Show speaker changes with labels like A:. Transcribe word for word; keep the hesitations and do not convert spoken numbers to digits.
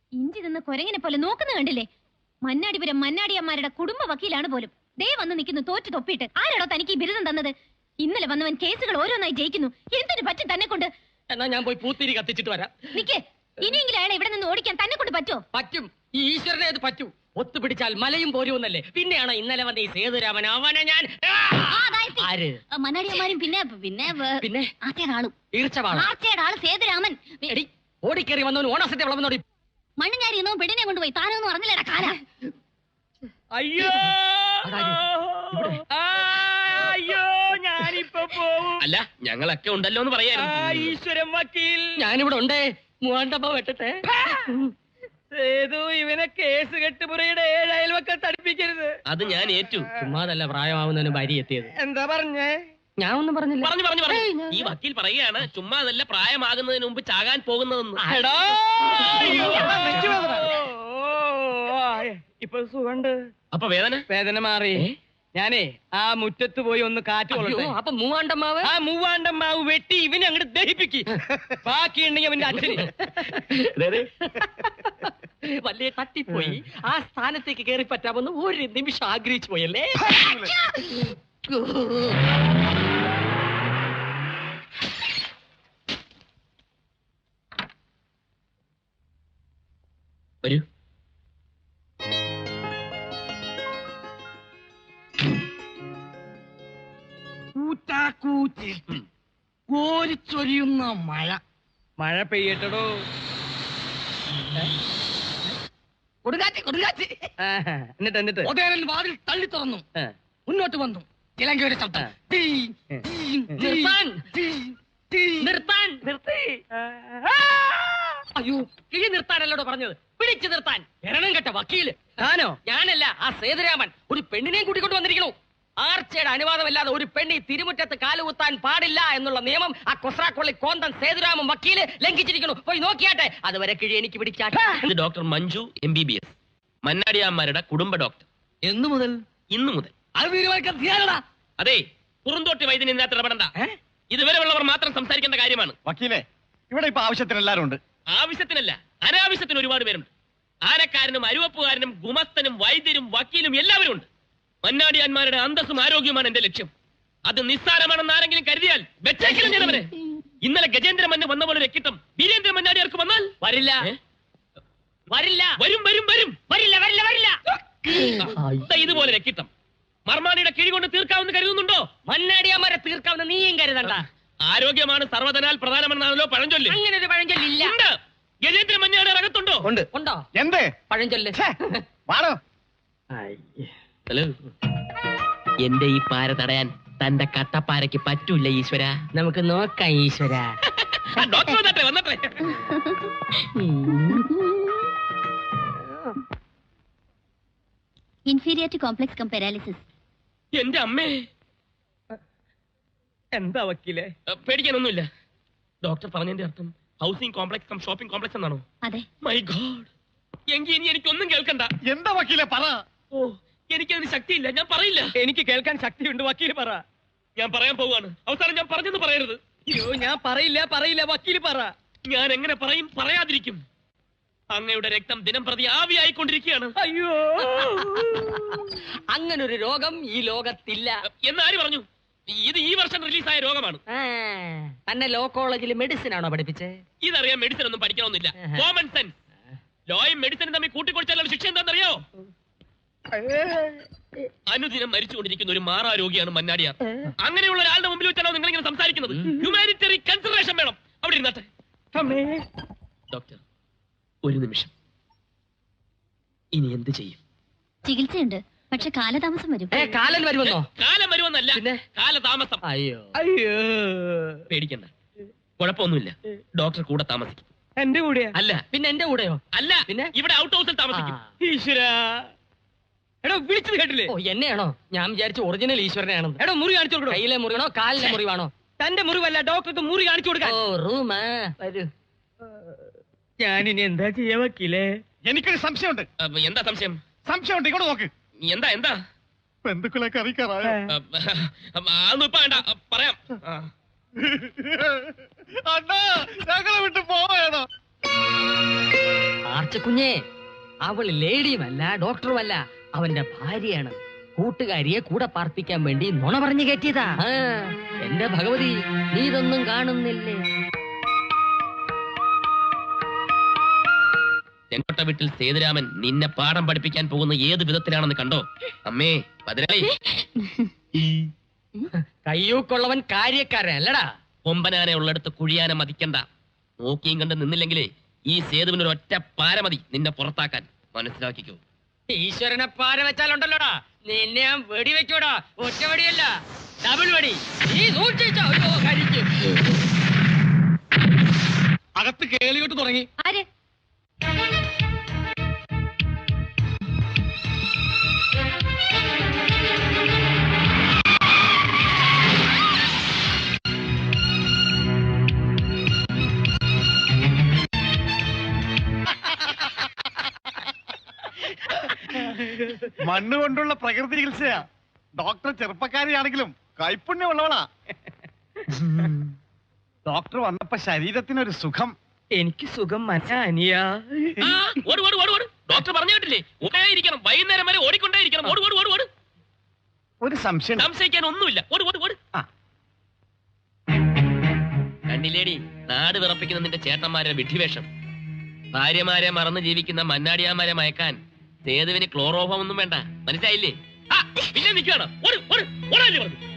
A: ഇഞ്ചി നിന്ന് കൊരങ്ങിനെ പോലെ നോക്കുന്ന കണ്ടില്ലേ? മന്നാടിപുരം മന്നാടിയമ്മാരുടെ കുടുംബ വക്കീലാണ് പോലും. ദേ വന്ന് നിൽക്കുന്നു തോറ്റു തൊപ്പിയിട്ട്. ആരാടോ തനിക്ക് ഈ ബിരുദം തന്നത്? ഇന്നലെ വന്നവൻ കേസുകൾ ഓരോന്നായി ജയിക്കുന്നു. എന്തിനു പറ്റും തന്നെ കൊണ്ട്?
B: എന്നാ ഞാൻ പോയി പൂത്തിരി കത്തിച്ചിട്ട് വരാം.
A: നിക്കേ, ഇനിയെങ്കിലും അയാളെ ഇവിടെ നിന്ന് ഓടിക്കാൻ തന്നെ കൊണ്ട് പറ്റോ?
B: പറ്റും. ഈ ഈശ്വരനെ അത് പറ്റൂ. ഒത്തുപിടിച്ചാൽ മലയും പോരുമെന്നല്ലേ. പിന്നെയാണ് ഇന്നലെ വന്ന ഈ സേതുരാമൻ. അവനെ ഞാൻ ആര്
A: മന്നാടിയമ്മാരും പിന്നെ പിന്നെ
B: പിന്നെ
A: ആർച്ചയുടെ ആളും
B: ഈർച്ചവാളും
A: ആർച്ചയുടെ ആള് സേതുരാമൻ.
B: എടി ഓടിക്കേറി വന്നവന് ഓണസത്തെ വളർന്നോടി.
A: മണ്ണുഞ്ഞാരി എന്നോ പെണ്ണിനെ കൊണ്ടുപോയി. താനൊന്നും അറിഞ്ഞില്ലടാ കാല.
C: അയ്യോ അയ്യോ ഞാനിപ്പോ പോവും.
B: അല്ല ഞങ്ങളൊക്കെ ഉണ്ടല്ലോ എന്ന് പറയായിരുന്നു.
C: ഈശ്വരൻ വക്കീൽ
B: ഞാനിവിടെ ഉണ്ടേ. മൂവാണ്ടപ്പ വെട്ടട്ടെ.
C: സേതു ഇവനെ കേസ് കെട്ടുപുറയുടെ ഏഴ് അയൽവക്കം തടിപ്പിക്കരുത്.
B: അത് ഞാൻ ഏറ്റു. ചുമ്മാതല്ല പ്രായമാവുന്നതിന് ഭാര്യ എത്തിയത്.
C: എന്താ പറഞ്ഞേ?
B: ഞാൻ ഒന്നും പറഞ്ഞില്ല. പറഞ്ഞു പറഞ്ഞു പറഞ്ഞു. ഈ വക്കീൽ പറയുകയാണ് ചുമ്മാതല്ല പ്രായമാകുന്നതിന് മുമ്പ് ചാകാൻ പോകുന്നതെന്ന്.
C: ഇപ്പൊ സുഖണ്ട്.
B: അപ്പൊ വേദന
C: വേദന മാറി. ഞാനേ ആ മുറ്റത്ത് പോയി ഒന്ന് കാറ്റ് കൊള്ളട്ടെ.
B: അപ്പൊ മൂവാണ്ടമ്മാവ്
C: ആ മൂവാണ്ടമ്മാവ് വെട്ടി ഇവനെ അങ്ങോട്ട് ദഹിപ്പിക്ക്. ബാക്കിയുണ്ടെങ്കിൽ അവന്റെ അച്ഛന്
B: വലിയ തട്ടിപ്പോയി. ആ സ്ഥാനത്തേക്ക് കയറി പറ്റാമെന്ന് ഒരു നിമിഷം ആഗ്രഹിച്ചു പോയല്ലേ. വരൂ.
C: കോരിച്ചൊരിയുന്ന മഴ. മഴ പെയ്യട്ടടോ.
B: കൊടുങ്കാറ്റ് കൊടുങ്കാറ്റ്.
C: എന്നിട്ട് എന്നിട്ട്
B: ഉദയനൻ വാതിൽ തള്ളി തുറന്നു. മുന്നോട്ട് വന്നു. ചിലങ്കയുടെ ശബ്ദം. നിർത്താൻ നിർത്താൻ നിർത്തി. അയ്യോ കിഴി നിർത്താനല്ലോടോ പറഞ്ഞത്. പിടിച്ചു നിർത്താൻ. എരണം കെട്ട വക്കീല്.
C: താനോ?
B: ഞാനല്ല, ആ സേതുരാമൻ. ഒരു പെണ്ണിനെയും കൂട്ടിക്കൊണ്ട് വന്നിരിക്കണു. ആർച്ചയുടെ അനുവാദമില്ലാതെ ഒരു പെണ്ണി തിരുമുറ്റത്ത് കാലുകുത്താൻ പാടില്ല എന്നുള്ള നിയമം ആ കൊസ്രാക്കൊള്ളി കോന്തൻ സേതുരാമൻ വക്കീല് ലംഘിച്ചിരിക്കുന്നു. പോയി നോക്കിയാട്ടെ. അതുവരെ കിഴി എനിക്ക് പിടിക്കാട്ടെ. ഇത് doctor Manju M B B S, മന്നാടിയാമ്മാരുടെ കുടുംബ ഡോക്ടർ.
C: എന്നു മുതൽ?
B: ഇന്നു മുതൽ.
C: അത് തീരുമാനിക്കാൻ.
B: അതെ, കുറുന്തോട്ടി വൈദ്യൻ ഇതിനകത്ത് ഇടപെടണ്ട. ഇതുവരെ ഉള്ളവർ മാത്രം സംസാരിക്കേണ്ട കാര്യമാണ്.
D: വക്കീലെ, ഇവിടെ ഇപ്പൊ ആവശ്യത്തിന് എല്ലാരും ഉണ്ട്.
B: ആവശ്യത്തിനല്ല, അനാവശ്യത്തിന് ഒരുപാട് പേരുണ്ട്. ആനക്കാരനും അരുവപ്പുകാരനും ഗുമസ്തനും വൈദ്യരും വക്കീലും എല്ലാവരും ഉണ്ട്. മന്നാടിയാന്മാരുടെ അന്തസ്സും ആരോഗ്യവുമാണ് എന്റെ ലക്ഷ്യം. അത് നിസ്സാരമാണെന്ന് ആരെങ്കിലും കരുതിയാൽ വെച്ചേക്കിലും ചെയ്തവരെ. ഇന്നലെ ഗജേന്ദ്ര മന്ന വന്ന പോലെ രക്കിട്ടം വീരേന്ദ്ര മന്നാടിയാർക്ക് വന്നാൽ വരില്ല വരില്ല വരും വരും വരും വരില്ല വരില്ല വരില്ല. ഇതുപോലെ രക്കിട്ടം മർമാണിയുടെ കിഴി കൊണ്ട് തീർക്കാമെന്ന് കരുതുന്നുണ്ടോ? മന്നാടിയാന്മാരെ തീർക്കാമെന്ന് നീയും കരുതണ്ട. ആരോഗ്യമാണ് സർവ്വതനാൽ പ്രധാനമെന്നാണല്ലോ പഴഞ്ചൊല്ല്. അങ്ങനെ ഒരു പഴഞ്ചൊല്ലില്ല. ഗജേന്ദ്ര മന്നാടി അകത്തുണ്ടോ?
D: ഉണ്ട്.
B: ഉണ്ടോ?
D: എന്ത്
B: പഴഞ്ചൊല്ല്?
D: വാടോ.
B: ഹലോ, എന്റെ ഈ പാര തടയാൻ തന്റെ കട്ടപ്പാരയ്ക്ക് പറ്റൂല ഈശ്വര. നമുക്ക് നോക്കാം ഈശ്വര. ഡോക്ടർ വന്നട്ടെ.
A: Inferior complex cum paralysis.
B: എന്റെ അമ്മേ.
C: എന്താ വക്കീലെ?
B: പേടിക്കാനൊന്നുമില്ല. ഡോക്ടർ പറഞ്ഞതിന്റെ അർത്ഥം housing complex cum shopping complex എന്നാണോ?
A: അതെ.
B: My god. എങ്കിൽ ഇനി എനിക്കൊന്നും കേൾക്കണ്ട.
D: എന്താ വക്കീലെ പറ.
B: ഓ, എനിക്കതിന് ശക്തിയില്ല. ഞാൻ പറയില്ല.
C: എനിക്ക് കേൾക്കാൻ ശക്തിയുണ്ട്. വക്കീല് പറ.
B: ഞാൻ പറയാൻ പോവാണ്. അവസാനം ഞാൻ പറഞ്ഞെന്ന് പറയരുത്.
C: അയ്യോ, ഞാൻ പറയില്ല പറയില്ല വക്കീല് പറ.
B: ഞാൻ എങ്ങനെ പറയും? പറയാതിരിക്കും. അങ്ങയുടെ രക്തം ദിനം പ്രതി ആവിയായിക്കൊണ്ടിരിക്കുകയാണ്.
C: അയ്യോ,
B: അങ്ങനൊരു രോഗം ഈ ലോകത്തില്ല എന്നാര് പറഞ്ഞു? ഇത് ഈ വർഷം റിലീസായ രോഗമാണ്. തന്നെ ലോ കോളേജിൽ മെഡിസിൻ ആണോ പഠിപ്പിച്ചത്? ഇതറിയാൻ മെഡിസിൻ ഒന്നും പഠിക്കണമെന്നില്ല. Common sense. ലോയും മെഡിസിനും തമ്മിൽ കൂട്ടിക്കൊടുത്താലുള്ള ശിക്ഷ എന്താണെന്നറിയോ? അനുദിനം മരിച്ചുകൊണ്ടിരിക്കുന്ന ഒരു മാറാരോഗിയാണ് മന്നാടിയാർ. അങ്ങനെയുള്ള ഒരാളുടെ മുമ്പിൽ വെച്ചാണോ നിങ്ങൾ ഇങ്ങനെ സംസാരിക്കുന്നത്? ഹ്യൂമാനിറ്ററി കൺസിഡറേഷൻ വേണം. അവിടെ ഇരുന്നാട്ടെ. ഡോക്ടർ, ഒരു നിമിഷം. ഇനി എന്ത് ചെയ്യും?
A: ചികിത്സയുണ്ട്, പക്ഷെ കാലതാമസം വരും.
B: കാലം വരുമെന്നോ? കാലം വരുമെന്നല്ല, പിന്നെ കാലതാമസം. അയ്യോ
C: അയ്യോ,
B: പേടിക്കണ്ട, കുഴപ്പമൊന്നുമില്ല. ഡോക്ടർ കൂടെ താമസിക്കും.
C: എന്റെ കൂടെയാ?
B: അല്ല. പിന്നെ എന്റെ കൂടെയോ? അല്ല, പിന്നെ ഇവിടെ ഔട്ട് ഹൗസിൽ താമസിക്കും.
C: ഈശ്വരാ, എടോ വിളിച്ചത് കേട്ടില്ലേ?
B: ഓ, എന്നെയാണോ? ഞാൻ വിചാരിച്ചു ഒറിജിനൽ ഈശ്വരനെയാണെന്ന്.
C: എടോ മുറി കാണിച്ചു കൊടുക്കണോ?
B: കയ്യിലെ മുറിവാണോ കാലിലെ മുറിവാണോ?
C: തന്റെ മുറിവല്ല, ഡോക്ടർക്ക് മുറി കാണിച്ചു കൊടുക്കാൻ.
B: Oh, room. വരൂ.
C: ഞാനിനി എന്താ ചെയ്യാ വക്കീലേ?
D: എനിക്കൊരു സംശയമുണ്ട്.
B: എന്താ സംശയം?
D: സംശയമുണ്ട്, ഇങ്ങോട്ട് നോക്ക്.
B: എന്താ എന്താ?
D: ബന്ധുക്കളെ അറിയിക്കാറായോ?
B: അതൊന്നും ഇപ്പൊ വേണ്ട, പറയാം.
D: അണ്ണാ, ഞങ്ങളെ വിട്ട് പോവേണോ?
C: പച്ചക്കുഞ്ഞേ, അവള് ലേഡിയുമല്ല ഡോക്ടറുമല്ല, അവന്റെ ഭാര്യയാണ്. കൂട്ടുകാരിയെ കൂടെ പാർപ്പിക്കാൻ വേണ്ടി നുണ പറഞ്ഞു കയറ്റിയതാ. ആ, എന്റെ ഭഗവതി, നീ ഇതൊന്നും കാണുന്നില്ലേ?
B: ചെങ്കോട്ട വീട്ടിൽ സേതുരാമൻ നിന്നെ പാഠം പഠിപ്പിക്കാൻ പോകുന്ന ഏത് വിധത്തിലാണെന്ന് കണ്ടോ? അമ്മേ പതിനാളി,
C: കയ്യൂക്കുള്ളവൻ കാര്യക്കാരൻ അല്ലടാ.
B: കൊമ്പനാനെ ഉള്ളിടത്ത് കുഴിയാനെ മതിക്കണ്ട. നോക്കിയും കണ്ട് നിന്നില്ലെങ്കിലേ ഈ സേതുവിന് ഒരു ഒറ്റ പാര മതി നിന്നെ പുറത്താക്കാൻ. മനസ്സിലാക്കിക്കോ.
C: ഈശ്വരനെ പാര വെച്ചാലുണ്ടല്ലോടാ, നിന്നെ ഞാൻ വെടി വെക്കൂടാ. ഒറ്റ വെടിയല്ല, ഡബിൾ വെടി. നീ സൂക്ഷിച്ചോ. അയ്യോ, കരിക്കും.
D: അകത്ത് കേളിയോട്ട് തുടങ്ങി.
A: ആര്?
D: മണ്ണ് കൊണ്ടുള്ള പ്രകൃതി ചികിത്സയാ. ഡോക്ടർ ചെറുപ്പക്കാരിയാണെങ്കിലും കൈപ്പുണ്യമുള്ളവളാ. ഡോക്ടർ വന്നപ്പോ ശരീരത്തിനൊരു സുഖം.
C: എനിക്ക് സുഖം മനസ്സിലാ.
B: ആ, ഓട് ഓട് ഓട് ഓട്. ഡോക്ടർ പറഞ്ഞു കേട്ടില്ലേ, ഓടിയിരിക്കണം, വൈകുന്നേരം വരെ ഓടിക്കൊണ്ടേയിരിക്കണം. ഓട് ഓട് ഓട് ഓട്.
D: ഒരു സംശയം.
B: സംശയിക്കാൻ ഒന്നുമില്ല. ഓട് ഓട് ഓട്.
D: ആ.
B: കണ്ടില്ലേടി നാട് വിറപ്പിക്കുന്ന നിന്റെ ചേട്ടന്മാരെ വിഡ്ഢിവേഷം. ഭാര്യമാരെ മറന്ന് ജീവിക്കുന്ന മന്നാടിയാമാരെ മയക്കാൻ സേതുവിന് ക്ലോറോഫം ഒന്നും വേണ്ട. മനസ്സിലായില്ലേ? ആ, പിന്നെ നിൽക്കുകയാണ്. ഓട് ഓട് ഓടാല്ലേ പറഞ്ഞു.